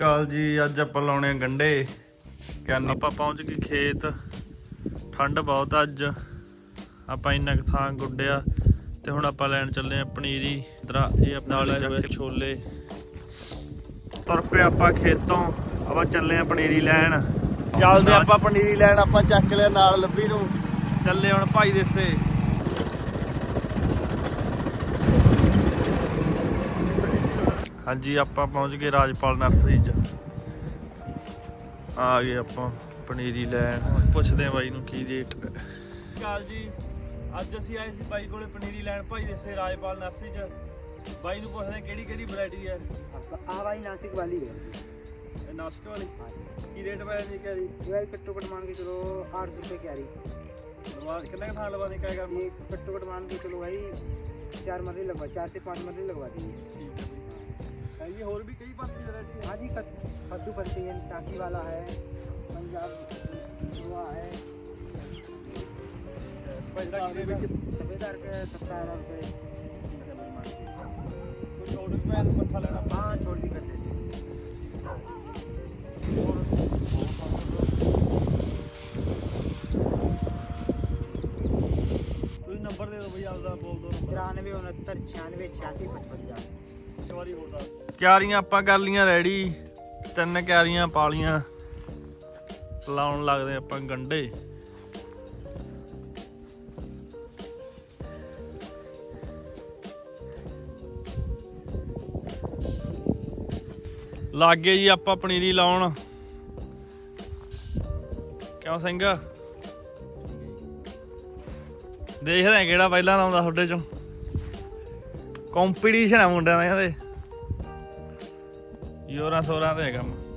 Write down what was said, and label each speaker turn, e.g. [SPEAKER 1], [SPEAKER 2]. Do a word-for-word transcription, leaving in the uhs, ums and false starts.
[SPEAKER 1] ਕਾਲ ਜੀ। ਅੱਜ ਆਪਾਂ ਲਾਉਣੇ ਆ ਗੰਢੇ। ਕਿਆਨੀ ਆਪਾਂ ਪਹੁੰਚ ਗਏ ਖੇਤ। ਠੰਡ ਬਹੁਤ ਅੱਜ। ਆਪਾਂ ਇੰਨਾ ਕੁ ਥਾਂ ਗੁੱਡਿਆ ਤੇ ਹੁਣ ਆਪਾਂ ਲੈਣ ਚੱਲੇ ਆ ਪਨੀਰੀ। ਇਧਰ ਇਹ ਨਾਲ ਚੱਕ ਕੇ ਛੋਲੇ। ਤੁਰ ਪਏ ਆਪਾਂ ਖੇਤੋਂ। ਆਪਾਂ ਚੱਲੇ ਆ ਪਨੀਰੀ ਲੈਣ। ਚੱਲਦੇ ਆਪਾਂ ਪਨੀਰੀ ਲੈਣ। ਆਪਾਂ ਚੱਕ ਲਿਆ ਨਾਲ ਲੱਭੀ ਨੂੰ। ਚੱਲੇ ਹੁਣ ਭਾਈ ਦੇਸੇ। ਹਾਂਜੀ ਆਪਾਂ ਪਹੁੰਚ ਗਏ ਰਾਜਪਾਲ ਨਰਸਰੀ 'ਚ। ਆ ਗਏ ਆਪਾਂ ਪਨੀਰੀ ਲੈਣ। ਪੁੱਛਦੇ ਆ ਬਾਈ ਨੂੰ ਕੀ ਰੇਟ। ਕਾਲ ਜੀ। ਅੱਜ ਅਸੀਂ ਆਏ ਸੀ ਬਾਈ ਕੋਲੇ ਪਨੀਰੀ ਲੈਣ ਭਾਈ ਦੇਸੇ ਰਾਜਪਾਲ ਨਰਸਰੀ 'ਚ। ਬਾਈ ਨੂੰ ਪੁੱਛਦੇ ਕਿਹੜੀ ਕਿਹੜੀ ਵੈਰਾਈਟੀ ਹੈ।
[SPEAKER 2] ਆ ਬਾਈ ਨਾਸਿਕ ਵਾਲੀ है।
[SPEAKER 1] ਇਹ ਨਾਸਿਕ ਵਾਲੀ ਕੀ ਰੇਟ ਪੈ ਜੀ ਕਹ ਰਹੀ।
[SPEAKER 2] ये कट्टो कट मान के चलो आठ सौ रुपये की आ रही।
[SPEAKER 1] ਲਵਾ ਕਿੰਨੇ ਕੁ ਥਾਂ ਲਵਾ ਦੇ ਕਿਆ ਕਰਨਾ।
[SPEAKER 2] ये कट्टो कट मान के चलो भाई चार मरली लगवा चार से पाँच मरली लगवा दी।
[SPEAKER 1] ठीक है। ये और भी कई बात वैरायटी है।
[SPEAKER 2] हाँ जी कद्दू फलती है टाकी वाला है पंजाब हुआ है सफेदार के सत्तर रुपये।
[SPEAKER 1] कुछ और भी मैं पट्ठा लेना।
[SPEAKER 2] हाँ छोड़ भी कर देते।
[SPEAKER 1] नंबर दे दो भैया आपका बोल दो।
[SPEAKER 2] तिरानवे उनहत्तर छियानवे छियासी पचवंजा।
[SPEAKER 1] ਕਿਆਰੀਆਂ ਆਪਾਂ ਕਰ ਲੀਆਂ ਰੈਡੀ। ਤਿੰਨ ਕਿਆਰੀਆਂ ਪਾ ਲੀਆਂ। ਲਾਉਣ ਲੱਗਦੇ ਆਪਾਂ ਗੰਢੇ। ਲਾਗੇ ਜੀ ਆਪਾਂ ਪਨੀਰੀ ਲਾਉਣ। ਕਿਉਂ ਸਿੰਘ ਦੇਖਦੇ ਆ ਕਿਹੜਾ ਪਹਿਲਾਂ ਲਾਉਂਦਾ ਤੁਹਾਡੇ ਚੋਂ। ਕੰਪੀਟੀਸ਼ਨ ਆ ਮੁੰਡਿਆਂ ਦਾ। ਕਹਿੰਦੇ ਯੋਰਾਂ ਸੋਰਾਂ ਤੇ ਹੈ ਕੰਮ।